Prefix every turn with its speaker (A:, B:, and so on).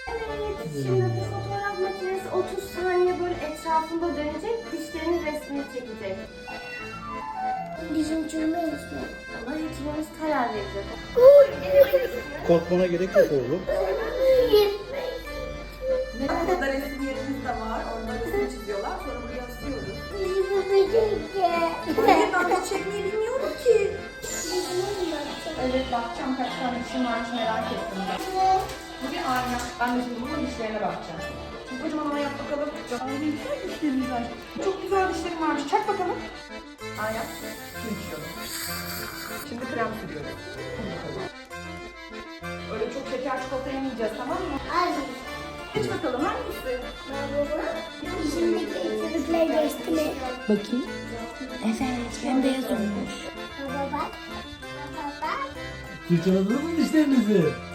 A: Evet, şimdi bu fotoğraf makinesi 30 saniye böyle etrafında dönecek, dişlerin resmini çekecek.
B: Dişim çürümüyor mu?
A: Ama hekimimiz karar verecek.
C: Korkmana gerek yok oğlum.
D: Burada resim yerimiz de var. Orada resim çiziyorlar. Sonra buraya asıyoruz. Hayır ben hiç çekmeyi bilmiyorum ki. Evet bakacağım kaç tane dişim varmış merak ettim ben. Bu bir ayna. Ben de şimdi bunun dişlerine bakacağım. Şimdi kocaman ama yap bakalım. Ay ne güzel dişlerimiz var. Çok güzel dişlerim varmış. Çak bakalım. Aynen. Şimdi içiyorum. Şimdi krem sürüyorum. Öyle çok şeker çikolata yemeyeceğiz tamam mı? Geç bakalım hangisi?
B: Dişimdeki eksiklikler geçti mi?
E: Bakayım. Evet, bembeyaz olmuş.
B: Baba bak. Baba bak.
C: Fırçaladınız mı dişlerinizi?